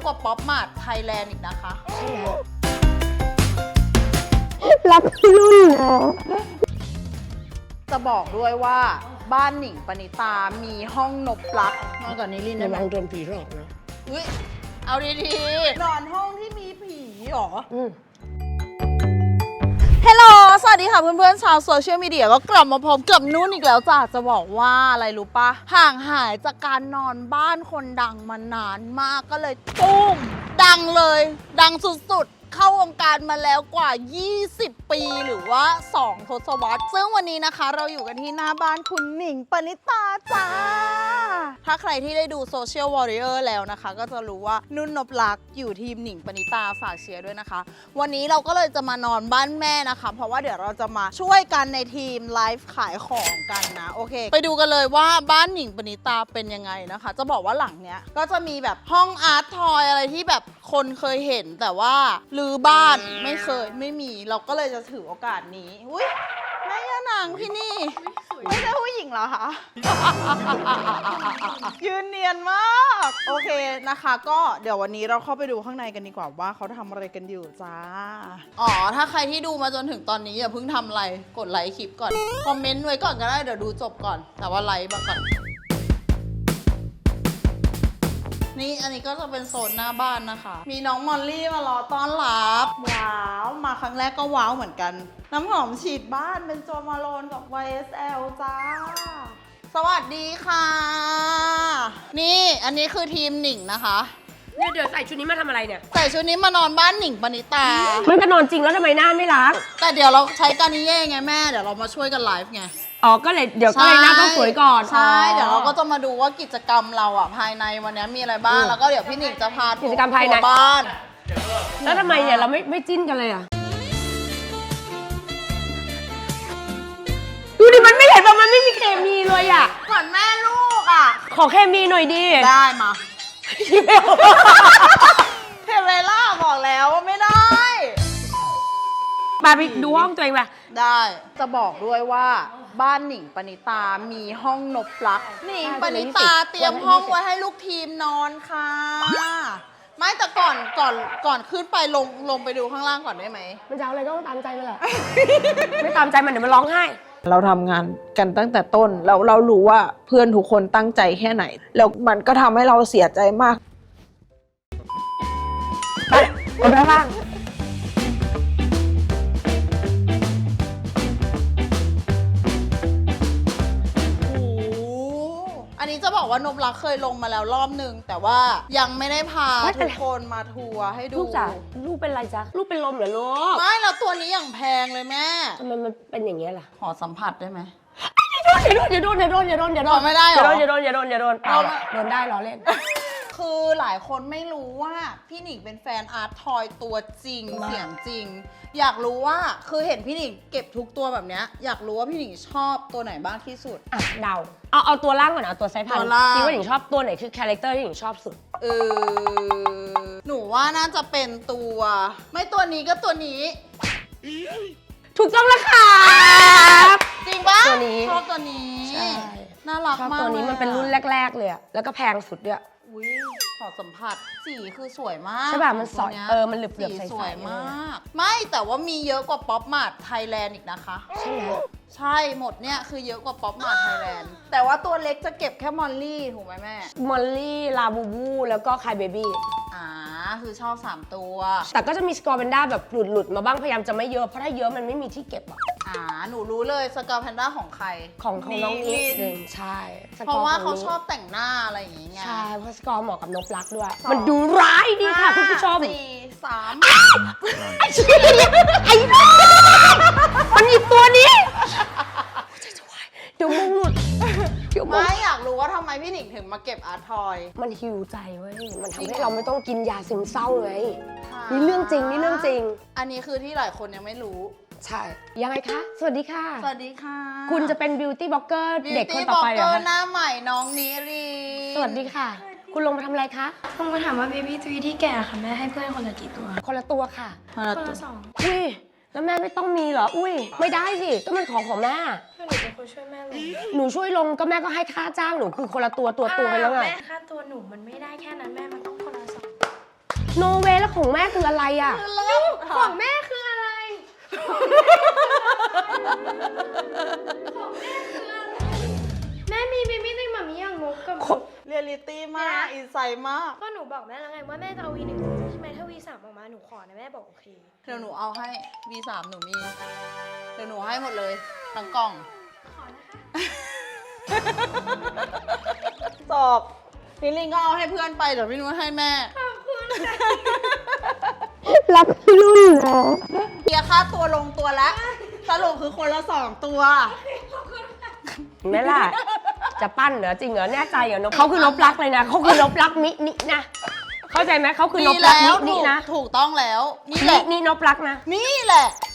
กว่าป๊อปมาร์ทไทยแลนด์อีกนะคะรักรุ่นจะบอกด้วยว่าบ้านหนิงปณิตามีห้องนบลักมากกว่านี้ลินได้ระไหมวังโดนผีหลอกนะอุ้ยเอาดีๆนอนห้องที่มีผีหรอฮัลโหลสวัสดีค่ะเพื่อนๆชาวโซเชียลมีเดียก็กลับมาพบกับนุ่นอีกแล้วจ้ะจะบอกว่าอะไรรู้ปะห่างหายจากการนอนบ้านคนดังมานานมากก็เลยตุ้มดังเลยดังสุดๆเข้าวงการมาแล้วกว่า 20 ปีหรือว่า 2 ทศวรรษซึ่งวันนี้นะคะเราอยู่กันที่หน้าบ้านคุณหนิงปณิตาจ้าถ้าใครที่ได้ดูโซเชียลวอริเออร์แล้วนะคะก็จะรู้ว่านุ่นนพลักษ์อยู่ทีมหนิงปณิตาฝากเชียร์ด้วยนะคะวันนี้เราก็เลยจะมานอนบ้านแม่นะคะเพราะว่าเดี๋ยวเราจะมาช่วยกันในทีมไลฟ์ขายของกันนะโอเคไปดูกันเลยว่าบ้านหนิงปณิตาเป็นยังไงนะคะจะบอกว่าหลังเนี้ยก็จะมีแบบห้องอาร์ตทอยอะไรที่แบบคนเคยเห็นแต่ว่าลือบ้านไม่มีเราก็เลยจะถือโอกาสนี้อุ้ยแม่ย่านางพี่นี่ไม่ใช่ผู้หญิงเหรอคะ ยืนเนียนมากโอเคนะคะก็เดี๋ยววันนี้เราเข้าไปดูข้างในกันดีกว่าว่าเขาทำอะไรกันอยู่จ้าอ๋อถ้าใครที่ดูมาจนถึงตอนนี้อย่าเพิ่งทำอะไรกดไลค์คลิปก่อนคอมเมนต์ไว้ก่อนก็ได้เดี๋ยวดูจบก่อนแต่ว่าไลค์มาก่อนนี่อันนี้ก็จะเป็นโซนหน้าบ้านนะคะมีน้องมอลลี่มารอต้อนรับว้าวมาครั้งแรกก็ว้าวเหมือนกันน้ำหอมฉีดบ้านเป็นโจมาโลนกับ YSL จ้าสวัสดีค่ะนี่อันนี้คือทีมหนิงนะคะเนี่ยเดี๋ยวใส่ชุดนี้มาทำอะไรเนี่ยใส่ชุดนี้มานอนบ้านหนิงปณิตามันก็นอนจริงแล้วทำไมหน้าไม่ล้างแต่เดี๋ยวเราใช้กานิเย่ไงแม่เดี๋ยวเรามาช่วยกันไลฟ์ไงอ๋อก็เลยเดี๋ยวก็เลยหน้าต้องสวยก่อนใช่เดี๋ยวเราก็จะมาดูว่ากิจกรรมเราอ่ะภายในวันนี้มีอะไรบ้างแล้วก็เดี๋ยวพี่หนิงจะพากิจกรรมภายในบ้านแล้วทำไมเนี่ยเราไม่จิ้นกันเลยอ่ะดูดิมันไม่เห็นว่ามันไม่มีเคมีเลยอ่ะเหมือนแม่ลูกอ่ะขอเคมีหน่อยดิได้มาเทเวล่าบอกแล้วว่าไม่ได้มาไปดูห้องตัวเองป่ะได้จะบอกด้วยว่าบ้านหนิงปณิตามีห้องนบลักหนิงปณิตาเตรียมห้องไว้ให้ลูกทีมนอนค่ะไม่แต่ก่อนขึ้นไปลงไปดูข้างล่างก่อนได้ไหมมันจะเอาอะไรก็ต้องตามใจมันแหละ ไม่ตามใจมันเดี๋ยวมันร้องไห้เราทำงานกันตั้งแต่ต้นแล้วเรารู้ว่าเพื่อนทุกคนตั้งใจแค่ไหนแล้วมันก็ทำให้เราเสียใจมากไปคนละบ้างอันนี้จะบอกว่านพลักษ์เคยลงมาแล้วรอบนึงแต่ว่ายังไม่ได้พาทุกคนมาทัวร์ให้ดูลูกจ๋าลูกเป็นไรจ๊ะลูกเป็นลมเหรอลูกไม่แล้วตัวนี้อย่างแพงเลยแม่ทำไมมันเป็นอย่างเงี้ยล่ะขอสัมผัสได้ไหมอย่าโดนไม่ได้หรออย่าโดนได้ล้อเล่นคือหลายคนไม่รู้ว่าพี่หนิงเป็นแฟนอาร์ตทอยตัวจริงเสียงจริงอยากรู้ว่าคือเห็นพี่หนิงเก็บทุกตัวแบบเนี้ยอยากรู้ว่าพี่หนิงชอบตัวไหนบ้างที่สุดอ่ะเดาเอาตัวล่างก่อนเอาตัวไซส์พันคิดว่าหนิงชอบตัวไหนคือคาแรคเตอร์ที่หนิงชอบสุดหนูว่าน่าจะเป็นตัวไม่ตัวนี้ก็ตัวนี้ถูกต้องแล้วค่ะจริงปะตัวนี้ชอบตัวนี้ใช่น่ารักมากตัวนี้มันเป็นรุ่นแรกๆเลยอะแล้วก็แพงสุดด้วยอุ้ยขอสัมผัสสีคือสวยมากใช่ป่ะมันสวยมันเหลือบๆใสๆสวยมากไม่แต่ว่ามีเยอะกว่าป๊อปมาร์ทไทยแลนด์อีกนะคะใช่ไหมใช่หมดเนี่ยคือเยอะกว่าป๊อปมาร์ทไทยแลนด์แต่ว่าตัวเล็กจะเก็บแค่มอลลี่ถูกไหมแม่มอลลี่ลาบูบูแล้วก็คายเบบี้คือชอบ3ตัวแต่ก็จะมีสกอร์แพนด้าแบบหลุดมาบ้างพยายามจะไม่เยอะเพราะถ้าเยอะมันไม่มีที่เก็บอ่ะหนูรู้เลยสกอร์แพนด้าของใครของน้องนิดใช่เพราะว่าเขาชอบแต่งหน้าอะไรอย่างเงี้ยใช่เพราะสกอร์เหมาะกับนพลักษ์ด้วยมันดูร้ายดีค่ะคุณผู้ชม 4 3 ไอ้น้องมันอีกตัวนี้เดี๋ยวมุงหลุดไม่อยากรู้ว่าทำไมพี่หนิงถึงมาเก็บอาร์ตทอยมันฮิวใจเว้ยมันทำให้เราไม่ต้องกินยาซึมเศร้าไงนี่เรื่องจริงอันนี้คือที่หลายคนยังไม่รู้ใช่ยังไงคะสวัสดีค่ะสวัสดีค่ะคุณจะเป็นบิวตี้บล็อกเกอร์เด็กคนต่อไปเหรอหน้าใหม่น้องนิริสวัสดีค่ะคุณลงมาทำอะไรคะลงมาถามว่าเบบี้ทรีที่แก่ค่ะแม่ให้เพื่อนคนละกี่ตัวคนละตัวค่ะคนละ2 อุ้ยแล้วแม่ไม่ต้องมีเหรออุ้ยไม่ได้สิก็มันของแม่หนูเป็นคนช่วยแม่ลงหนูช่วยลงก็แม่ก็ให้ค่าจ้างหนูคือคนละตัวไปแล้วไงแม่ค่าตัวหนูมันไม่ได้แค่นั้นแม่มันต้องคนละ2 โนเวแล้วของแม่คืออะไรอ่ะของแม่คืออะไร แม่มีเบบี้ในหมามีอย่างงกกับเรียลลิตี้มาก อินไซด์มากก็หนูบอกแม่แล้วไงว่าแม่จะเอา V1 ใช่ไหมถ้า V3 ออกมาหนูขอนะแม่บอกโอเคเดี๋ยวหนูเอาให้ V3 หนูมี เดี๋ยวหนูให้หมดเลย ทั้งกล่องขอนะคะสอบนิลลินก็เอาให้เพื่อนไป เดี๋ยวพี่นุ้ยให้แม่รักพี่รุ่นเหรอเกียร์ค่าตัวลงตัวแล้ว สรุปคือคนละ 2 ตัวแม่ล่ะ จะปั้นเหรอจริงเหรอแน่ใจเหรอเขาคือนบรักเลยนะเขาคือนบรักมินินะเข้าใจไหมเขาคือนบรักมินินะถูกต้องแล้ว นี่แหละนี่นบรักนะนี่แหละ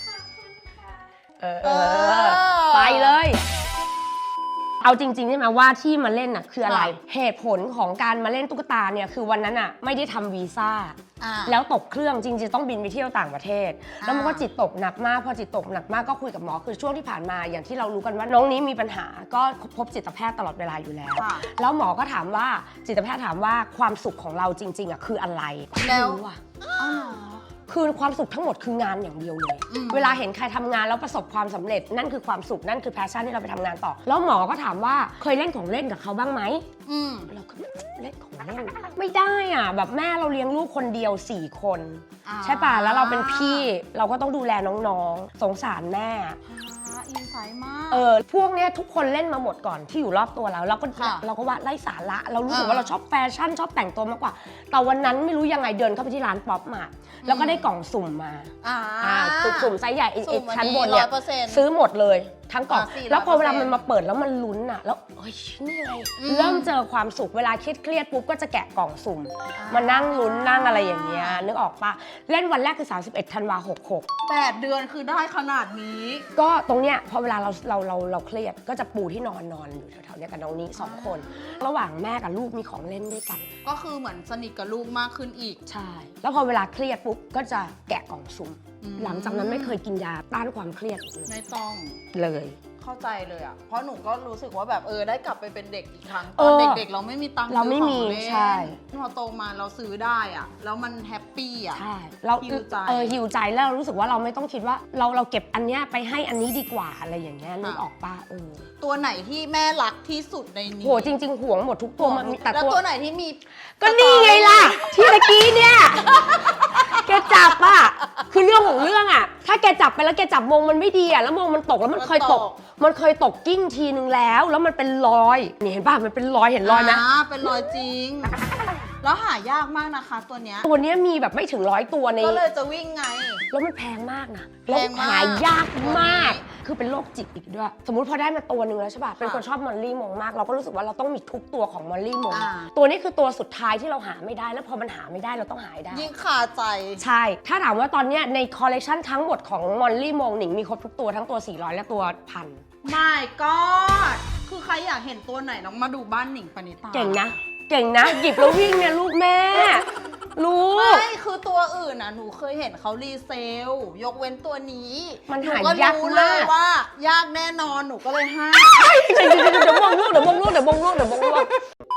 ไปเลย เอาจริงๆใช่ไหมว่าที่มาเล่นน่ะคืออะไรค่ะเหตุผลของการมาเล่นตุ๊กตาเนี่ยคือวันนั้นอ่ะไม่ได้ทำวีซ่าอ่าแล้วตกเครื่องจริงๆต้องบินไปเที่ยวต่างประเทศ แล้วมันก็อ่าจิตตกหนักมากพอจิตตกหนักมากก็คุยกับหมอคือช่วงที่ผ่านมาอย่างที่เรารู้กันว่าน้องนี้มีปัญหาก็พบจิตแพทย์ตลอดเวลาอยู่แล้วค่ะแล้วหมอก็ถามว่าจิตแพทย์ถามว่าความสุขของเราจริงๆอ่ะคืออะไรแล้วไม่รู้อ่ะอ้าวเหรอคือความสุขทั้งหมดคืองานอย่างเดียวเลยอืมเวลาเห็นใครทำงานแล้วประสบความสำเร็จนั่นคือความสุขนั่นคือแพชชั่นที่เราไปทำงานต่อ แล้วหมอก็ถามว่าเคยเล่นของเล่นกับเขาบ้างไหมอืมเราก็เล่นของเล่นไม่ได้อ่ะแบบแม่เราเลี้ยงลูกคนเดียว4 คนอ่าใช่ป่ะแล้วเราเป็นพี่เราก็ต้องดูแลน้องๆสงสารแม่อินไซด์มากพวกเนี้ยทุกคนเล่นมาหมดก่อนที่อยู่รอบตัวเราเราก็ค่ะเราก็ว่าไร้สาระเรารู้สึกว่าเราชอบแฟชั่นชอบแต่งตัวมากกว่า แต่วันนั้นไม่รู้ยังไงเดินเข้าไปที่ร้านป๊อปมาแล้วก็ได้กล่องสุ่มมา สุ่มไซส์ใหญ่ไอ้สุ่มอันนี้ชั้นบนเนี่ย 100% ซื้อหมดเลยทั้งกล่อง 400% แล้วพอเวลามันมาเปิดแล้วมันลุ้นอ่ะแล้วเฮ้ยนี่ไงเริ่มเจอความสุขเวลาเครียดปุ๊บก็จะแกะกล่องสุ่มมานั่งลุ้นนั่งอะไรอย่างเงี้ยนึกออกปะเล่นวันแรกคือ31 ธันวาคม 66 8 เดือนคือได้ขนาดนี้ก็ตรงเนี้ยพอเวลาเราเครียดก็จะปูที่นอนอยู่แถวๆเนี้ยกับน้องนี้2 คน ระหว่างแม่กับลูกมีของเล่นด้วยกันก็คือเหมือนสนิทกับลูกมากขึ้นอีกใช่ แล้วพอเวลาเครียดปุ๊บก็จะแกะกล่องสุ่มอืมหลังจากนั้นไม่เคยกินยาต้านความเครียดอีกเลยไม่ต้องเลยเข้าใจเลยอ่ะ เพราะหนูก็รู้สึกว่าแบบได้กลับไปเป็นเด็กอีกครั้ง ตเออนอเด็กๆ เราไม่มีตังค์เราไม่มีซื้อของเล่นใช่พอโตมาเราซื้อได้อ่ะ แล้วมันแฮปปี้อ่ะใช่เราหิวใจหิวใจแล้วเรารู้สึกว่าเราไม่ต้องคิดว่าเราเก็บอันเนี้ยไปให้อันนี้ดีกว่าอะไรอย่างเงี้ยนึกออกปะตัวไหนที่แม่รักที่สุดในนี้โหจริง ๆห่วงหมดทุกตัวมันมีแต่แล้วตัวตัวไหนที่มีก็นี่ไงล่ะ ที่ตะกี้เนี่ย แกจับอ่ะคือเรื่องของเรื่องอ่ะ ถ้าแกจับไปแล้วแกจับมงมันไม่ดีอ่ะแล้วมงมันตกแล้วมันเคยตกกิ้งทีนึงแล้วมันเป็นรอยนี่เห็นป่ะมันเป็นรอยเห็นรอยไหมเป็นรอยจริง แล้วหายากมากนะคะตัวเนี้ยตัวเนี้ยมีแบบไม่ถึง100 ตัวในก็เลยจะวิ่งไงแล้วมันแพงมากนะแพแล้วงมากหายากมากตัวนี้คือเป็นโรคจิตอีกด้วย สมมุติพอได้มาตัวหนึ่งแล้วใช่ป่ะ เป็นคนชอบมอลลี่มงมาก เราก็รู้สึกว่าเราต้องมีทุกตัวของมอลลี่มง ตัวนี้คือตัวสุดท้ายที่เราหาไม่ได้ แล้วพอมันหาไม่ได้เราต้องหาให้ได้ยิ่งคาใจใช่ ถ้าถามว่าตอนเนี้ยในคอลเลกชันทั้งหมดของมอลลี่มงหนิงมีครบทุกตัวทั้งตัว 400 และตัว 1,000 My God คือใครอยากเห็นตัวไหนต้องมาดูบ้านหนิงปณิตาเก่งนะ เก่งนะ หยิบแล้ววิ่งเนี่ยลูกแม่ ลูกไม่คือตัวอื่นน่ะหนูเคยเห็นเขารีเซล ยกเว้นตัวนี้มันหนูหาก็ยากรู้เลยมากว่า ยากแน่นอนหนูก็เลยให้เดี๋ยวมงลูกเดี๋ยวมงลูกเดี๋ยวมงลูกเดี๋ยวมงลูก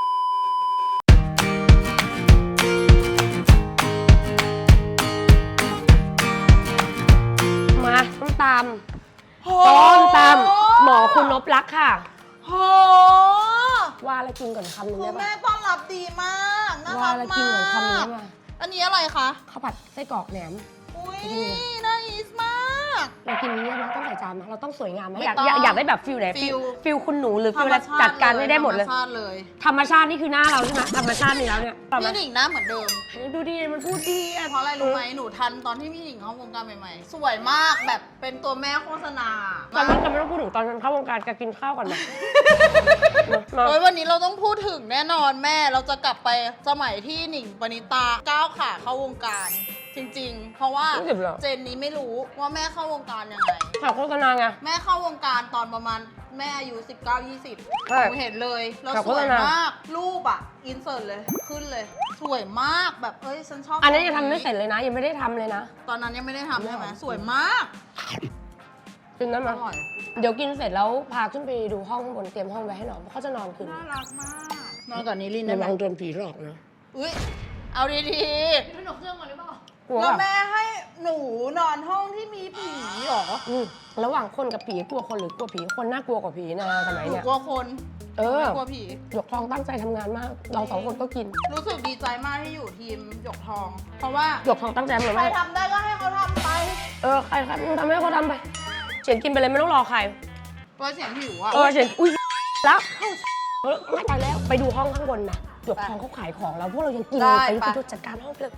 มาส้มตำส้มตำหมอคุณนพรักค่ะโหว่าอะไรกินก่อนคำนึงคืได้อปะแม่ต้อนรับดีมากน่าว่ารักอะไรกินมาก่อนคำนึงกได้ปะอันนี้อะไรคะข้าวผัดไส้กรอกแหนมอุ้ยจริงน่าอีสมากเรากินนี้นะต้องใส่จานไหมเราต้องสวยงามไหมไม่อยากต้องอยากได้แบบฟิลไหนฟิลคุณหนูหรือฟิลอะไรจัดการให้ได้หมดเลยธรรมชาติเลยธรรมชาตินี่คือหน้าเราใช่ไหมธรรมชาตินี่แล้วเนี่ยพี่หนิงหน้าเหมือนเดิมดูดิมันพูดดีอะเพราะอะไรรู้ไหมหนูทันตอนที่พี่หนิงเข้าวงการใหม่ๆ สวยมากแบบเป็นตัวแม่โฆษณาตอนนั้นจะไม่ต้องพูดถึงตอนฉันเข้าวงการจะกินข้าวก่อนนะเนอะเฮ้ยวันนี้เราต้องพูดถึงแน่นอนแม่เราจะกลับไปสมัยที่หนิงปณิตาก้าวขาเข้าวงการ จริงๆ เพราะว่ารู้สึกเหรอเจนนี้ไม่รู้ว่าแม่เข้าวงการยังไงข่าวโฆษณาไงแม่เข้าวงการตอนประมาณแม่อายุ19-20 ใช่หนูเห็นเลยแล้วข่าวสโฆวษยณามมากรูปอ่ะอินเสิร์ตเลยขึ้นเลย สวยมากแบบเอ้ยฉันชอบอันนี้ยังทำไม่เสร็จเลยนะ ยังไม่ได้ทำเลยนะตอนนั้นยังไม่ได้ทำใช่ไหมสวยมากกินได้ไหมอร่อยเดี๋ยวกินเสร็จแล้วพาขึ้นไปดูห้องข้างบนเตรียมห้องไว้ให้นอนเพราะเขาจะนอนคืนน่ารักมากนอนกับนิรินทร์ระได้ไหมวังโดนผีหลอกนะอุ้ยเอาดีถนนเครื่องมาหรือเปล่ากลัวๆแล้วแบบแม่ให้หนูนอนห้องที่มีผีเหรอระหว่างคนกับผีกลัวคนหรือกลัวผีคนน่ากลัวกว่าผีนะสมัยหนูเนี้ยกลัวคนเออไม่กลัวผีหยกทองตั้งใจทำงานมาก เรา2 คนก็กินรู้สึกดีใจมากที่อยู่ทีมหยกทอง เพราะว่าหยกทองตั้งใจทำงานใครมากทำได้ก็ให้เขาทำไปใครครับมึงทำให้เขาทำไปเฉียนกินไปเลยไม่ต้องรอใครว่าเสียงหิวอ่ะเฉียนอุ้ยแล้วไม่ตายแล้วไปดูห้องข้างบนนะหยกทองเขาขายของแล้วพวกเรายังกินเลยไปดูจัดการห้องเลย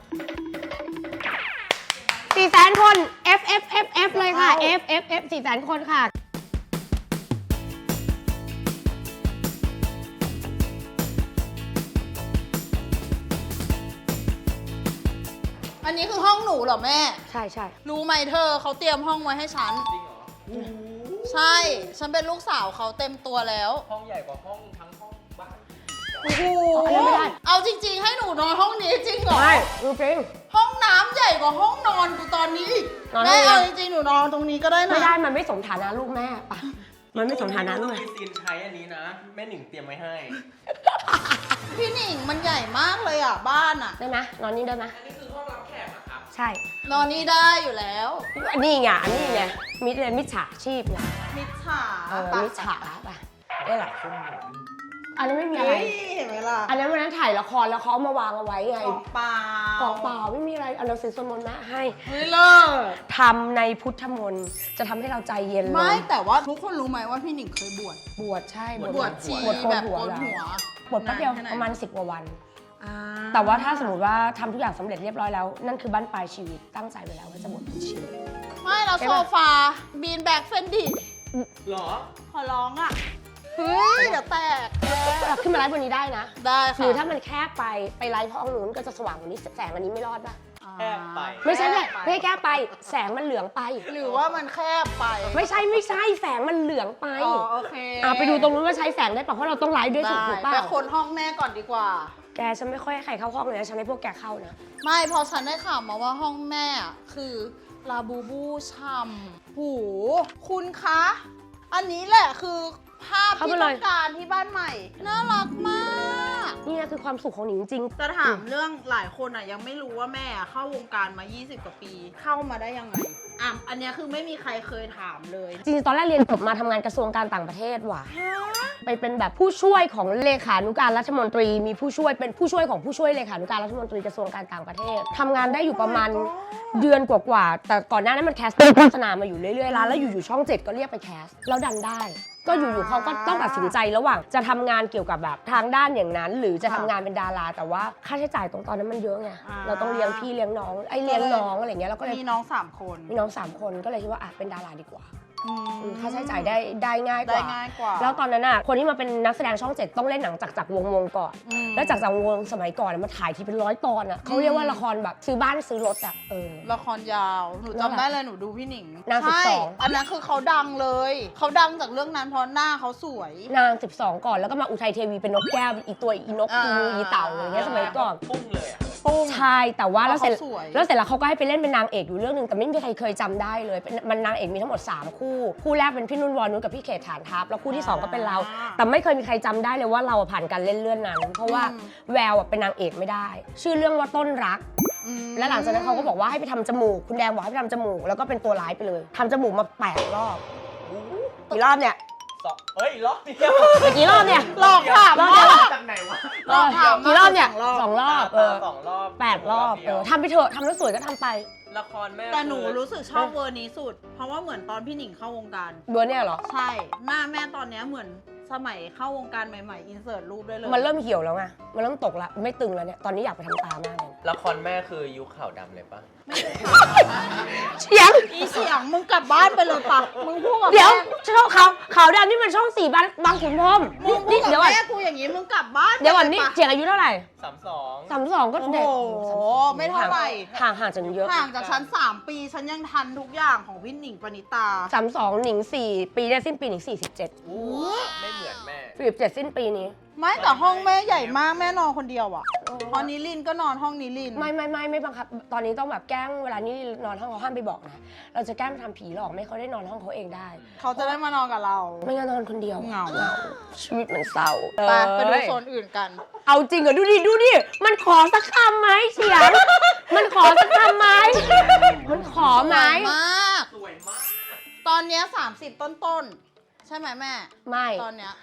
400,000 คน F เลยค่ะ F 400,000 คนค่ะอันนี้คือห้องหนูเหรอแม่ใช่ใช่รู้ไหมเธอเขาเตรียมห้องไว้ให้ฉันจริงเหรอใช่ ฉันเป็นลูกสาวเขาเต็มตัวแล้วห้องใหญ่กว่าห้องทั้งห้องบ้านโอ้โหอันนั้นไม่ได้เอาจริง ๆ ให้หนูนอนห้องนี้จริงเหรอใช่จริงห้องน้ำใหญ่กว่าห้องนอนกูตอนนี้อีกนอนแม่ได้เอาไงจริงๆหนูนอนตรงนี้ก็ได้นะไม่ได้มันไม่สมฐานะลูกแม่ปะมันไม่สมฐานะลูกมีซีนใช้อันนี้นะ แม่หนิงเตรียมไว้ให้พี่หนิงมันใหญ่มากเลยอ่ะบ้านอ่ะได้ไหมนอนนี่ได้ไหมอันนี้คือห้องรับแขกเหรอครับใช่นอนนี่ได้อยู่แล้วอันนี้ไงอันนี้ไงมิจฉาชีพไงมิจฉามิจฉาปะได้หรออันนั้นไม่มีอะไรเฮ้ยเห็นไหมล่ะอันนั้นวันนั้นถ่ายละครแล้วเขาเอามาวางเอาไว้ไงของเปล่ากองเปล่าไม่มีอะไรเอาเราซื้อสวดมนต์นะให้เฮ้ยเลิศทำในพุทธมนต์จะทำให้เราใจเย็นลงไม่แต่ว่าทุกคนรู้ไหมว่าพี่หนิงเคยบวชบวชใช่บวชชีบวชโกแบนบหัวโกนแล้วหัวบวชแป๊บเดียวนนแค่ไหนประมาณ10 กว่าวันอ่าแต่ว่าถ้าสมมติว่าทำทุกอย่างสำเร็จเรียบร้อยแล้ว นั่นคือบั้นปลายชีวิตตั้งใจไว้แล้วว่าจะบวชเป็นชีวิตไม่เราใช่โซปะฟาบีนแบกเฟนดิเหรอขอร้องอ่ะ เฮ้ยเดี๋ยวแตกขึ้นมาไลฟ์บนนี้ได้นะได้หค่ะรือถ้ามันแคบไปไลฟ์ห้องนู้นก็จะสว่างกว่านี้แสงอันนี้ไม่รอดป่ะแคบไปไม่ใช่ไม่ไม่แคบไปแสงมันเหลืองไปหรือว่ามันแคบไปไม่ใช่แสงมันเหลืองไปอ๋อโอเคไปดูตรงนู้นว่าใช้แสงได้ป่ะเพราะเราต้องไลฟ์ด้วยได้ถูกป่ะไปคนห้องแม่ก่อนดีกว่าแกฉันไม่ค่อยให้ใครเข้าห้องเลยนะฉันให้พวกแกเข้านะไม่พอฉันได้ข่าวมาว่าห้องแม่อะคือลาบูบูช่ำหูคุณคะ อันนี้แหละคือภาพเข้าที่มาเลต้อย งการที่บ้านใหม่ น่ารักมากนี่นะคือความสุขของหนิงจริงจะถามเรื่องหลายคนอ่ะยังไม่รู้ว่าแม่อะเข้าวงการมา 20 กว่าปี เข้ามาได้ยังไงอ่ะอันเนี้ยคือไม่มีใครเคยถามเลยจริงๆตอนแรกเรียนจบมาทำงานกระทรวงการต่างประเทศว่ะ ไปเป็นแบบผู้ช่วยของเลขานุการรัฐมนตรี มีผู้ช่วยเป็นผู้ช่วยของผู้ช่วยเลขานุการรัฐมนตรีกระทรวงการต่างประเทศทำงานได้อยู่ประมาณเดือนกว่าๆแต่ก่อนหน้านั้นมันแคสต์โฆษณามาอยู่เรื่อยๆแล้วอยู่ๆช่อง 7 ก็เรียกไปแคสต์แล้วดันได้ ก็อยู่ๆเขาก็ต้องตัดสินใจระหว่างจะทำงานเกี่ยวกับแบบทางด้านอย่างนั้น หรือจะทำงานเป็นดาราแต่ว่าค่าใช้จ่ายตรงตอนนั้นมันเยอะไงเราต้องเลี้ยงพี่เลี้ยงน้องเลี้ยงน้องอะไรเงี้ยแล้วก็เลยมีน้อง 3 คนมีน้อง3 คนก็เลยคิดว่าเป็นดาราดีกว่าอืมค่าใช้จ่ายได้ง่ายกได้ว่าง่ายกว่าแล้วตอนนั้นอ่ะคนที่มาเป็นนักแสดงช่อง 7 ต้องเล่นหนังจากวงก่อนอืมแล้วจากวงสมัยก่อนอะมันถ่ายทีเป็น100 ตอนอ่ะเขาเรียกว่าละครแบบซื้อบ้านซื้อรถอ่ะละครยาว หนูแล้วจำได้เลยหนูดูพี่หนิงนางใช่ 12 อันนั้นคือเขาดังเลย เขาดังจากเรื่องนั้นเพราะหน้าเขาสวยนาง 12 ก่อนแล้วก็มาอุทัยเทวีเป็นนกแก้วอีตัวอีนกอีงูอีเต่าอะไรเงี้ยสมัยก่อนปุ้งเลยอ่ะปุ้งใช่แต่ว่าแล้วเสร็จเขาสวยแล้วเขาก็ให้ไปเล่นเป็นนางเอกอยู่เรื่องหนึงแต่ไม่มีใครเคยจำได้เลยมันนางเอกมีทั้งหมด3 คู่แรกเป็นพี่นุ่นวรนุชกับพี่เขตฐานทัพแล้วคู่ที่ 2 ก็เป็นเรา แต่ไม่เคยมีใครจำได้เลยว่าเราผ่านการเล่นเรื่องนั้น เพราะว่าแววเป็นนางเอกไม่ได้ ชื่อเรื่องว่าต้นรักอืมและหลังจากนั้นเขาก็บอกว่าให้ไปทำจมูกคุณแดงบอกให้ไปทำจมูกแล้วก็เป็นตัวร้ายไปเลยทำจมูกมา8 รอบกี่รอบเนี่ยเอ้ยล็อกเดียวกี่รอบเนี่ยหลอกถามรอบมาเดียวจากไหนวะหลอกถามกี่รอบเนี่ย 2 รอบ 2 รอบ 2 รอบ 8 รอบทำไปเถอะทำแล้วสวยก็ทำไปละครแม่แต่หนูรู้สึกชอบเวอร์นี้สุด เพราะว่าเหมือนตอนพี่หนิงเข้าวงการเบอร์เนี่ยเหรอใช่ หน้าแม่ตอนเนี้ยเหมือนสมัยเข้าวงการใหม่ๆ อินเสิร์ตรูปได้เลยมันเริ่มเหี่ยวแล้วไงมันเริ่มตกละไม่ตึงแล้วเนี่ยตอนนี้อยากไปทำตามากเลยละครแม่คือยุคขาวดำเลยปะไม่ได้เสียงอีเสียงมึงกลับบ้านไปเลยปะมึงพูดกับเดี๋ยวแม่ช่องขาวดำนี่มันช่อง4บางขุนพรหมมึงพูนี่ดกับเดี๋ยวก่อนแม่กูอย่างนี้มึงกลับบ้านเดี๋ยวก่อนนี่ไปลปะเจียงอายุเท่าไหร่ 32 32ก็โอ้เด็กโหไม่เท่าไหร่ห่างจากหนูเยอะห่างจากฉัน3 ปีฉันยังทันทุกอย่างของพี่หนิงปณิตา 32หนิง4ปีเนี่ยสิ้นปีหนิง47 โอ้ไม่เหมือนแม่ 47สิ้นปีนี้ไม่แต่ห้องแม่ใหญ่มากแม่นอนคนเดียวอ่ะพอนิลินก็นอนห้องนิลินไม่บังคับตอนนี้ต้องแบบแกล้งเวลานี่นอนห้องเขาห้ามไปบอกนะเราจะแกล้งทำผีหลอกไม่เขาได้นอนห้องเขาเองได้เขาจะได้มานอนกับเราไม่งั้นนอนคนเดียวเหงาชีวิตมันเศร้าไปดูโซนอื่นกันเอาจริงเหรอดูดิมันขอสักคำไหมเสียงมันขอสักคำไหมมันขอไหมสวยมากสวยมากตอนเนี้ย30 ต้นๆ ใช่ไหมแม่ไม่ตอนเนี้ย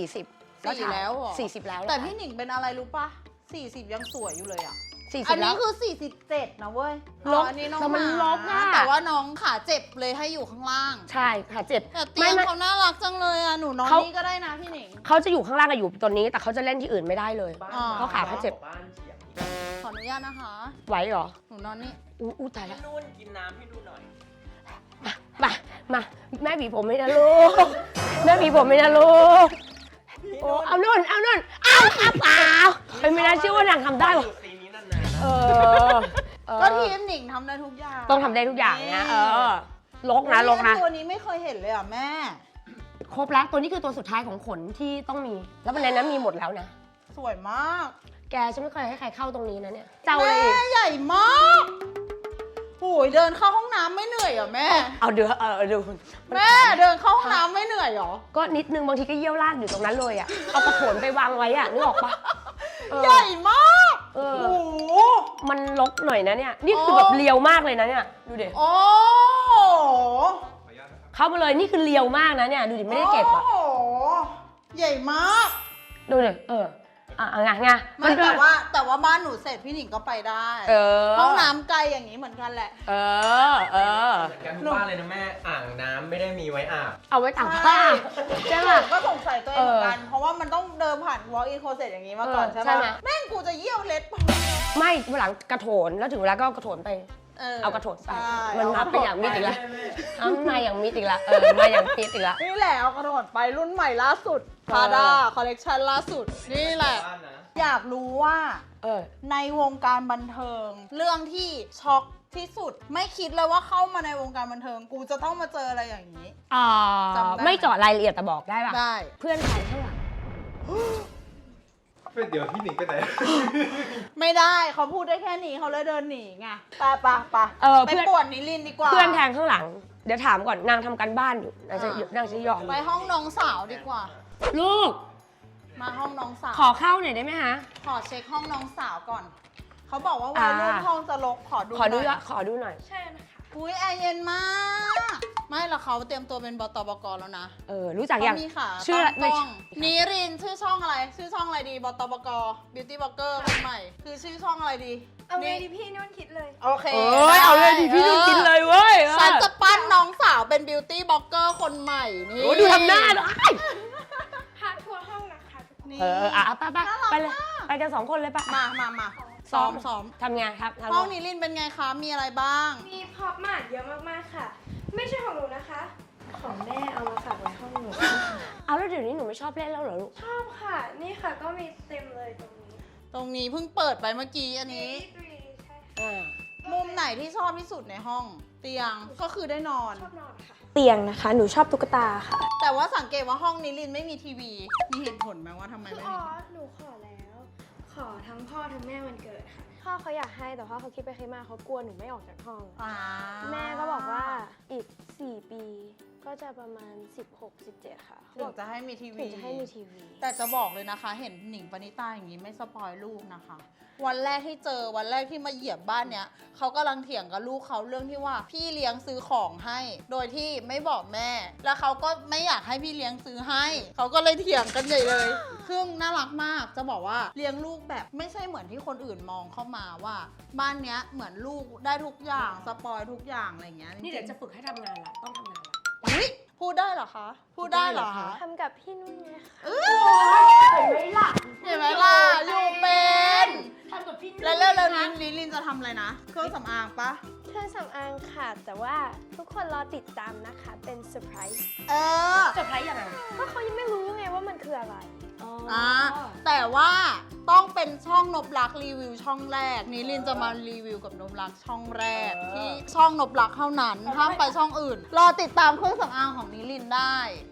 40 สี่แล้วเหรอ 40แล้วแต่พี่หนิงเป็นอะไรรู้ปะ40 ยังสวยอยู่เลยอ่ะ 40 อันแล้นี้วคือ47นะเว้ยลบอันนี้น้องแต่มันหลบอะแต่ว่าน้องขาเจ็บเลยให้อยู่ข้างล่างใช่ค่ะเจ็บแต่เตียงเขาน่ารักจังเลยอ่ะ หนูนอนเขานี่ก็ได้นะพี่หนิงเขาจะอยู่ข้างล่างกับอยู่ตอนนี้แต่เขาจะเล่นที่อื่นไม่ได้เลยบ้านเขาขาเขาเจ็บบ้านเฉียงขออนุญาตนะคะไหวเหรอหนูนอนนี่อู้ตายแล้วพี่นุ่นกินน้ำให้ดูหน่อยมาแม่บีผมไม่นะลูกแม่บีผมไม่นะลูกโอ้เอานุ่นเปล่าไม่น่าเชื่อว่านางทำได้หรออยู่ซีนี้นานๆนะเออก็ทีมหนิงทำได้ทุกอย่างต้องทำได้ทุกอย่างนะลกนะตัวนี้ไม่เคยเห็นเลยอ่ะแม่ครบแล้วตัวนี้คือตัวสุดท้ายของขนที่ต้องมี แล้ววันนั้นมีหมดแล้วนะสวยมากแกฉันไม่เคยให้ใครเข้าตรงนี้นะเนี่ยเจ้าเลยแม่ใหญ่มากโอ้ยเดินเข้าห้องน้ำไม่เหนื่อยเหรอแม่เอาเดี๋ยวดูแม่เดินเข้าห้องน้ำไม่เหนื่อยเหรอก็นิดนึงบางทีก็เยี่ยวราดอยู่ตรงนั้นเลยอ่ะเอากระโถนไปวางไว้อ่ะนึกออกปะเออใหญ่มากเออโอ้โหมันลกหน่อยนะเนี่ยนี่คือแบบเลียวมากเลยนะเนี่ยดูดิโอ้โหเข้ามาเลยนี่คือเลียวมากนะเนี่ยดูดิไม่ได้เก็บอ่ะโอ้โหใหญ่มากดูดิไงไม่แต่ว่าบ้านหนูเสร็จพี่หนิงก็ไปได้ ห้องน้ำไกลอย่างนี้เหมือนกันแหละเออเหมือนกันทุกบ้านเลยนะแม่ อ่างน้ำไม่ได้มีไว้อาบเอาไว้ตากผ้าใช่ไหมหนูก็สงสัยตัวเองเหมือนกัน เพราะว่ามันต้องเดินผ่าน walk in closet อย่างนี้มาก่อนใช่ใช่ไหไหมมแม่งกูจะเยี่ยวเล็ดปะไม่วันหลังกระโถนแล้วถึงเวลาก็เอากระโถนไป เอากระโถนใส่ใช่มันมาเป็นอย่างมิดอีกแล้วมาอย่างมิดอีกแล้วมาอย่างมิดอีกแล้วนี่แหละเอากระโดดไปรุ่นใหม่ล่าสุด Prada คอลเลกชันล่าสุด นี่แหละบ้านนะอยากรู้ว่าเออในวงการบันเทิง เรื่องที่ช็อกที่สุด ไม่คิดเลยว่าเข้ามาในวงการบันเทิง กูจะต้องมาเจออะไรอย่างนี้ จำได้ไหมไม่เจาะรายละเอียดแต่บอกได้ป่ะได้เพื่อนใครข้างหลังเดี๋ยวพี่หนิงไปไหนไม่ได้เขาพูดได้แค่นี้เขาเลยเดินหนีไงไปไปเพื่อนไปป่วนนิลินทร์ดีกว่าเพื่อนแทงข้างหลัง เดี๋ยวถามก่อนนางทำการบ้านอยู่นางจะยอมไปห้องน้องสาวดีกว่าลูกมาห้องน้องสาวขอเข้าหน่อยได้ไหมฮะขอเช็คห้องน้องสาวก่อน เขาบอกว่าวัยรุ่นห้องจะรกขอดูขอดูหน่อยขอดูหน่อยใช่นะคะอุ้ยแอร์เย็นมาก ไม่หรอกเขาเตรียมตัวเป็นบตบกแล้วนะรู้จักยังเขามีค่ะชื่อตั้งไม่กล้องนิรินทร์ชื่อช่องอะไร ชื่อช่องอะไรดีบตบก Beauty Blogger คนใหม่ คือชื่อช่องอะไรดีเอาไงดีพี่นุ่นคิดเลยโอเคเอาเลยดิพี่นุ่นกินเลยเว้ยฉันจะปั้นน้องสาวเป็น Beauty Blogger คนใหม่นี่โอ้ดูทำหน้าหน่อยพาทัวร์ห้องนะคะทุกคนนี่ไปเลยไปกัน2 คนเลยปะมาซ้อมทำไงครับห้องนิรินทร์เป็นไงคะ มีอะไรบ้างมีพร็อพมาเยอะมากๆค่ะ ไม่ใช่ของหนูนะคะ ของแม่เอามาฝากไว้ห้องหนูเอาแล้วเดี๋ยวนี้หนูไม่ชอบเล่นแล้วเหรอลูกชอบค่ะ นี่ค่ะก็มีเต็มเลยตรงนี้ตรงนี้เพิ่งเปิดไปเมื่อกี้อันนี้ใช่ค่ะมุมไหนที่ชอบที่สุดในห้อง เตียงก็คือได้นอนชอบนอนค่ะ เตียงนะคะ หนูชอบตุ๊กตาค่ะแต่ว่าสังเกตว่าห้องนิรินทร์ไม่มีทีวี มีเหตุผลไหมว่าทำไมคือไม่อ๋อมีหนูขอแล้ว ขอทั้งพ่อทั้งแม่วันเกิดค่ะ พ่อเขาอยากให้แต่พ่อเขาคิดไปคิดมาเขากลัวหนูไม่ออกจากห้อง แม่ก็บอกว่าอีก 4 ปี ก็จะประมาณ 16-17 ค่ะถึงจะให้มีทีวีถึงจะให้มีทีวีแต่จะบอกเลยนะคะ เห็นหนิงปณิตาอย่างนี้ไม่สปอยลูกนะคะ วันแรกที่เจอวันแรกที่มาเหยียบบ้านเนี้ยเขากำลังเถียงกับลูกเขาเรื่องที่ว่าพี่เลี้ยงซื้อของให้ โดยที่ไม่บอกแม่ แล้วเขาก็ไม่อยากให้พี่เลี้ยงซื้อให้เขาก็เลยเถียงกันใหญ่เลยซึ่งน่ารักมากจะบอกว่าเลี้ยงลูกแบบไม่ใช่เหมือนที่คนอื่นมองเข้ามาว่า บ้านเนี้ยเหมือนลูกได้ทุกอย่างสปอยทุกอย่างอะไรอย่างเงี้ยนี่เดี๋ยวจะฝึกให้ทำงานละต้องทำงานละอุ๊ยพูดได้เหรอคะ พูดได้เหรอคะทำกับพี่นุ่นไงคะเห็นไหมล่ะอยู่เป็นทำกับพี่แล้วเร็วๆนี้ลินจะทำอะไรนะ เครื่องสำอางปะเครื่องสำอางค่ะ แต่ว่าทุกคนรอติดตามนะคะ เป็นเซอร์ไพรส์เออเซอร์ไพรส์ยังไงเพราะเขายังไม่รู้ไงว่ามันคืออะไรแต่ว่าต้องเป็นช่องนบลักษ์รีวิวช่องแรกนิลินจะมารีวิวกับนบลักษ์ช่องแรกที่ช่องนบลักษ์เท่านั้นห้ามไปช่องอื่น รอติดตามเครื่องสำอางของนิลินได้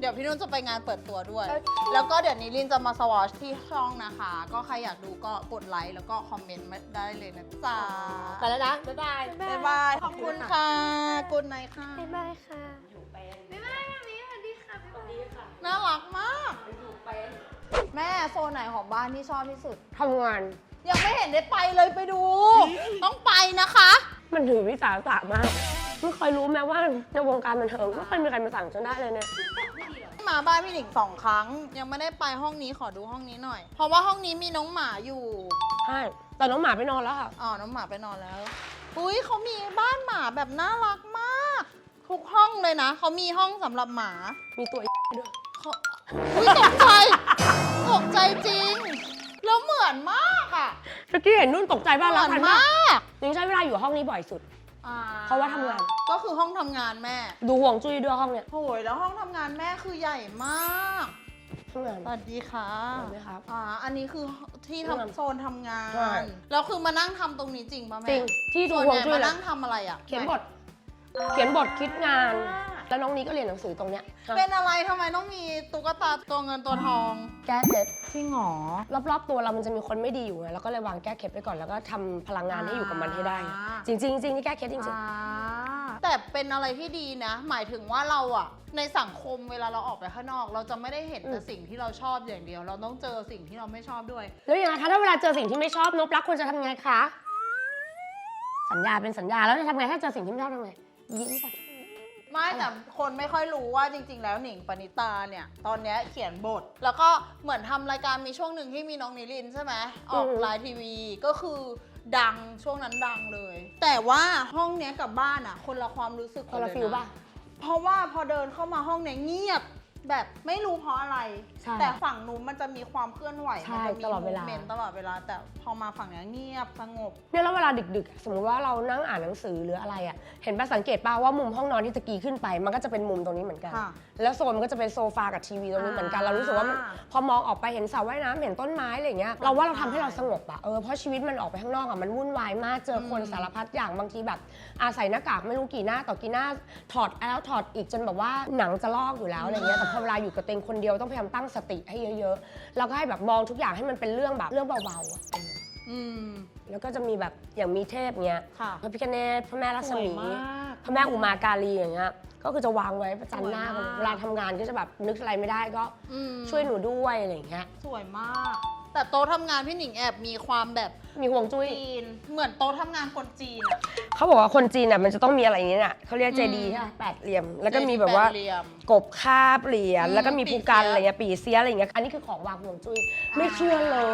เดี๋ยวพี่นุ่นจะไปงานเปิดตัวด้วย แล้วก็เดี๋ยวนี้ลินจะมาสวอชที่ช่องนะคะ ก็ใครอยากดูก็กดไลค์แล้วก็คอมเมนต์มาได้เลยนะจ๊ะไปแล้วนะ บ๊ายบายบ๊ายบาย ขอบคุณค่ะกุดไนท์ค่ะบ๊ายบายค่ะอยู่เป็นบ๊ายบายมามีสวัสดีค่ะสวัสดีค่ะน่ารักมากอยู่เป็นแม่โซนไหนของบ้านที่ชอบที่สุดทำงานยังไม่เห็นได้ไปเลยไปดู ต้องไปนะคะมันถือวิสาสะมาก ไม่เคยรู้แม้ว่าในวงการบันเทิงไม่เคยมีใครมาสั่งฉันได้เลยเนี่ยมาบ้านพี่หนิง2 ครั้ง ยังไม่ได้ไปห้องนี้ขอดูห้องนี้หน่อย เพราะว่าห้องนี้มีน้องหมาอยู่ใช่ แต่น้องหมาไปนอนแล้วค่ะอ๋อน้องหมาไปนอนแล้วอุ้ยเขามีบ้านหมาแบบน่ารักมาก ทุกห้องเลยนะเขามีห้องสำหรับหมามีตัวด้วยเขาอุ้ยตกใจตกใจจริง แล้วเหมือนมากอ่ะเมื่อกี้เห็นนุ่นตกใจบ้างเหแล้วมือนทันมามากยังใช้เวลาอยู่ห้องนี้บ่อยสุดอ่เพราะว่าทำงานก็คือห้องทำงานแม่ดูห่วงจุ้ยด้วยห้องเนี่ยโอ้ยแล้วห้องทำงานแม่คือใหญ่มากห้องงานสวัสดีค่ะสวัสดีครับอันนี้คือที่ห้องน้ำทำโซนทำงานใช่แล้วคือมานั่งทำตรงนี้จริงป่ะแม่จริงที่ดูส่วนห่วงใหญ่จุ้ยมาเลยนั่งทำอะไรอ่ะเขียนบท เขียนบทคิดงาน แล้วน้องนี้ก็เรียนหนังสือตรงเนี้ยเป็นอะไรทำไมต้องมีตุ๊กตาตัวเงินตัวทองแก้เคล็ดจริงหรอรอบๆตัวเรามันจะมีคนไม่ดีอยู่ไงเราก็เลยวางแก้เคล็ดไปก่อนแล้วก็ทำพลังงานให้อยู่กับมันให้ได้ จริงๆจริงๆนี่แก้เคล็ดจริงแต่เป็นอะไรที่ดีนะ หมายถึงว่าเราอะในสังคมเวลาเราออกไปข้างนอก เราจะไม่ได้เห็นแต่สิ่งที่เราชอบอย่างเดียว เราต้องเจอสิ่งที่เราไม่ชอบด้วยๆแล้วอย่างไรคะถ้าเวลาเจอสิ่งที่ไม่ชอบนบรักควรจะทำไงคะ สัญญาเป็นสัญญาแล้วจะทำไงถ้าเจอสิ่งที่ไม่ชอบทำไงยิ้มก่อนไม่แต่คนไม่ค่อยรู้ว่าจริง ๆ แล้วหนิงปณิตาเนี่ยตอนเนี้ยเขียนบท แล้วก็เหมือนทำรายการมีช่วงหนึ่งที่มีน้องนิรินทร์ใช่ไหมออกไลน์ทีวีก็คือดังช่วงนั้นดังเลย แต่ว่าห้องเนี้ยกับบ้านอะคนละความรู้สึกคนละเยฟิลป่ะเพราะว่าพอเดินเข้ามาห้องเนี้ยเงียบแบบไม่รู้เพราะอะไรใช่แต่ฝั่งนู้นมันจะมีความเคลื่อนไหวใช่มัจะมีตลอดเวลามูฟมนต์ตลอดเวลา แต่พอมาฝั่งเนี้ยเงียบสงบเนี่ยแล้วเวลาดึกๆ สมมติว่าเรานั่งอ่านหนังสือหรืออะไรอ่ะ เห็นป่ะสังเกตป่ะว่ามุมห้องนอนที่ตะกี้ขึ้นไป มันก็จะเป็นมุมตรงนี้เหมือนกันค่ะแล้วโซนมันก็จะเป็นโซฟากับทีวีตรงนี้เหมือนกัน เรารู้สึกว่ามันพอมองออกไปเห็นสระว่ายน้ำเห็นต้นไม้อะไรอย่างเงี้ย เราว่าเราทำให้เราสงบอ่ะ เพราะชีวิตมันออกไปข้างนอกอ่ะ มันวุ่นวายมาก เจอคนสารพัดอย่างบางทีแบบอาศัยหน้ากากไม่รู้กี่หน้าต่อกี่หน้า ถอดแล้วถอดอีกจนแบบว่าหนังจะลอกอยู่แล้วอะไรเงี้ย แต่พอเวลาอยู่กับตัวเองคนเดียวต้องพยายามตั้งสติให้เยอะๆ แล้วก็ให้แบบมองทุกอย่างให้มันเป็นเรื่องแบบเรื่องเบาๆอ่ะอืมแล้วก็จะมีแบบอย่างมีเทพเงี้ยค่ะพระพิฆเนศพระแม่รัศมีสวยมากพระแม่อุมาการีอย่างเงี้ย ก็คือจะวางไว้ประจันหน้ากันสวยมากเวลาทำงานก็จะแบบนึกอะไรไม่ได้ก็อืมช่วยหนูด้วยอะไรอย่างเงี้ยสวยมาก แต่โต๊ะทำงานพี่หนิงแอบมีความแบบมีห่วงจุ้ยจีน เหมือนโต๊ะทำงานคนจีนอะเขาบอกว่าคนจีนอ่ะมันจะต้องมีอะไรอย่างเงี้ยน่ะเขาเรียกเจดีย์ใช่ไหมแปดเหลี่ยม แล้วก็มีแบบว่าแปดเหลี่ยมกบคาบเหรียญอืมแล้วก็มีภูกันปี่เสียอะไรเงี้ยปีเสียอะไรเงี้ย อันนี้คือของวางห่วงจุ้ย ไม่เชื่อเลย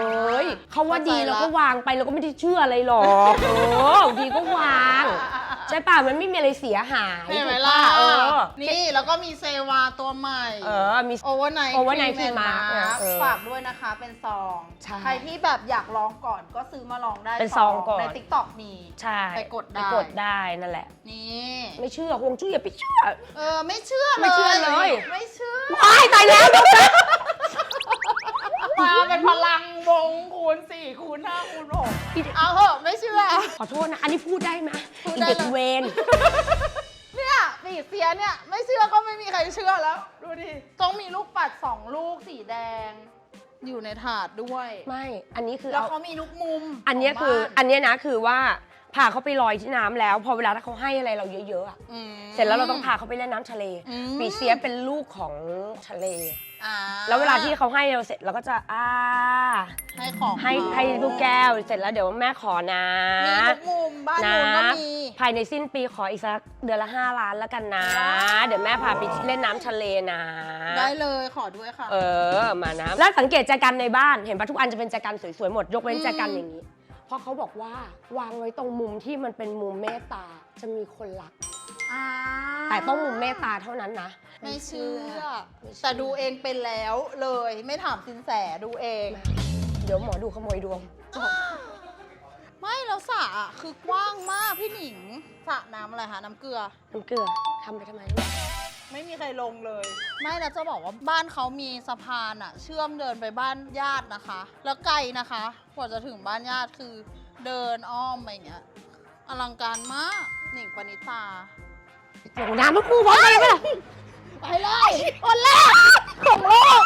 เขาว่าดีเข้าใจละเราก็วางไปเราก็ไม่ได้เชื่ออะไรหรอกดีก็วาง ใช่ป่ะมันไม่มีอะไรเสียหายเห็นไหมถูกล่ะป่ะนี่แล้วก็มีเซวาตัวใหม่มีโอเวอร์ไนท์ Overnight Cream Mask ฝากด้วยนะคะเป็นซองใช่ใครที่แบบอยากลองก่อนก็ซื้อมาลองได้เป็นซองก่อนใน TikTok มีใช่ไปกดได้ไปกดได้นั่นแหละนี่ไม่เชื่อห่วงจุ้ยอย่าไปเชื่อไม่เชื่อเลยไม่เชื่อเลยไม่เชื่อว้ายตายแล้วดรมาเป็นพลังวงคูณ4คูณ5คูณ6เอาเหอะไม่เชื่อขอโทษนะ อันนี้พูดได้ไหมพูดอีได้เด็กเลยเวนเนี่ยปีเสียเนี่ยไม่เชื่อก็ไม่มีใครเชื่อแล้ว ดูดิ ต้องมีลูกปัด2ลูกสีแดง อยู่ในถาดด้วยไม่ อันนี้คือแล้วเอาเขามีทุกมุมอันเนี้ยคือขงบ้าอันเนี้ยนะคือว่าพาเขาไปลอยที่น้ำแล้ว พอเวลาถ้าเขาให้อะไรเราเยอะๆอะอืมเสร็จแล้วเราต้องพาเขาไปเล่นน้ำทะเลอืมปีเสียเป็นลูกของทะเลอ่าแล้วเวลาที่เขาให้เราเสร็จเราก็จะให้ของให้ลูกแก้วเสร็จแล้วเดี๋ยวแม่ขอนะมีทุกมุมบ้านนะนู้นก็มีภายในสิ้นปีขออีกสักเดือนละ5 ล้านแล้วกันนะ เดี๋ยวแม่พาไปเล่นน้ำทะเลนะได้เลยขอด้วยค่ะมานะแล้วสังเกตแจกันในบ้านเห็นปะทุกอันจะเป็นแจกันสวยๆหมดยกเว้นแจกันอย่างนี้ เพราะเขาบอกว่าวางไว้ตรงมุมที่มันเป็นมุมเมตตาจะมีคนรัก แต่ต้องมุมเมตตาเท่านั้นนะไม่เชื่อไม่เชื่อแต่ดูเองเป็นแล้วเลย ไม่ถามสินแสดูเองเดี๋ยวหมอดูขโมยดวงไม่แล้วสระอะคือกว้างมากพี่หนิงสระน้ำอะไรคะน้ำเกลือน้ำเกลือทำไปทำไมไม่มีใครลงเลย ไม่แล้วจะบอกว่าบ้านเขามีสะพานอะเชื่อมเดินไปบ้านญาตินะคะ แล้วไกลนะคะกว่าจะถึงบ้านญาติคือเดินอ้อมไปอย่างเงี้ยอลังการมากหนิงปณิตาลงน้ำมันคู่พร้อมกันเลยไหมล่ะไปเลยคนแรกของโลก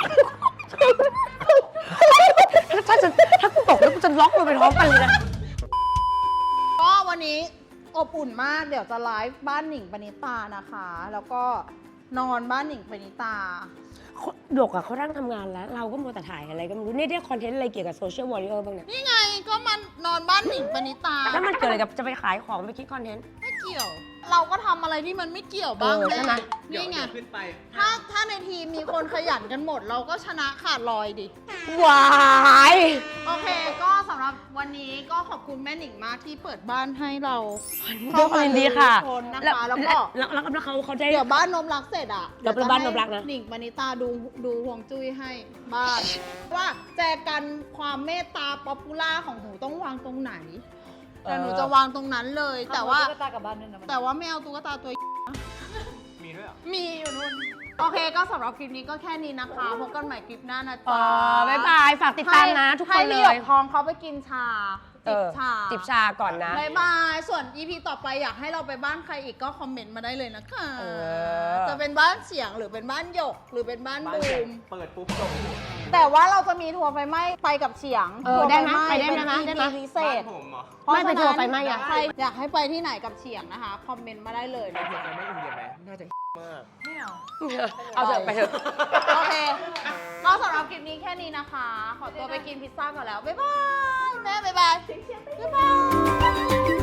ถ้ากูตกแล้วกูจะล็อกลงไปท้องกันเลยนะก็วันนี้อบอุ่นมากเดี๋ยวจะไลฟ์บ้านหนิงปณิตานะคะ แล้วก็นอนบ้านหนิงปณิตาหยกอะเขานั่งทำงานแล้ว เราก็มัวแต่ถ่ายอะไรก็ไม่รู้เนี่ยได้คอนเทนต์อะไรเกี่ยวกับโซเชียลวอริเออร์บ้างเนี่ยนี่ไงก็มันนอนบ้านหนิงปณิตาแล้วมันเกิดอะไรกับจะไปขายของไปคิดคอนเทนต์ไม่เกี่ยว เราก็ทำอะไรที่มันไม่เกี่ยวบ้างใช่ไหมเดี๋ยวนี่ไงขึ้นไปถ้าในทีมมีคนขยันกันหมด เราก็ชนะขาดลอยดิวายโอเค ก็สำหรับวันนี้ก็ขอบคุณแม่หนิงมากที่เปิดบ้านให้เราด้วยความยินดีค่ะทุกคนนะคะแล้วก็แล้วเขาได้เดี๋ยวบ้านนมรักเสร็จอ่ะเดี๋ยวเป็นบ้านนมรักนะหนิงปณิตาดูห่วงจุ้ยให้บ้าน ว่าแจกันความเมตตาป๊อปปูล่าของหนูต้องวางตรงไหน แต่หนูจะวางตรงนั้นเลย แต่ว่าแต่ว่าไม่เอาตุ๊กตาตัวมีด้วยเหรอมีอยู่นู่น โอเค ก็สำหรับคลิปนี้ก็แค่นี้นะคะ พบกันใหม่คลิปหน้านะจ๊ะบ๊ายบายฝากติดตามนะทุกคนให้เลพี่หยยกทองเขาไปกินชา จิบชาจิบชาก่อนนะบ๊ายบาย ส่วน EP ต่อไปอยากให้เราไปบ้านใครอีกก็คอมเมนต์มาได้เลยนะคะ จะเป็นบ้านเสียงหรือเป็นบ้านหยก หรือเป็นบ้านบ้านบูผมมเปิดปุ๊บส่งแต่ว่าเราจะมีทัวร์ไฟไหม้ไปกับเฉียงเออทัวร์ได้ไหมฟไปได้ไหมเป็นได้ไหม EP พิเศบ้านษผมเหรอเพราะไม่ไปฉะนั้นทัวร์ไฟไหม้อะใครอยากให้ไปที่ไหนกับเฉียงนะคะ คอมเมนต์มาได้เลยไปเที่ยวไปไม่อินเดียไหมน่าจะมากเอาเถอะไปเถอะโอเค ก็สำหรับคลิปนี้แค่นี้นะคะ ขอตัวไปกินพิซซ่าก่อนแล้ว บ๊ายบาย แม่บ๊ายบาย บ๊ายบาย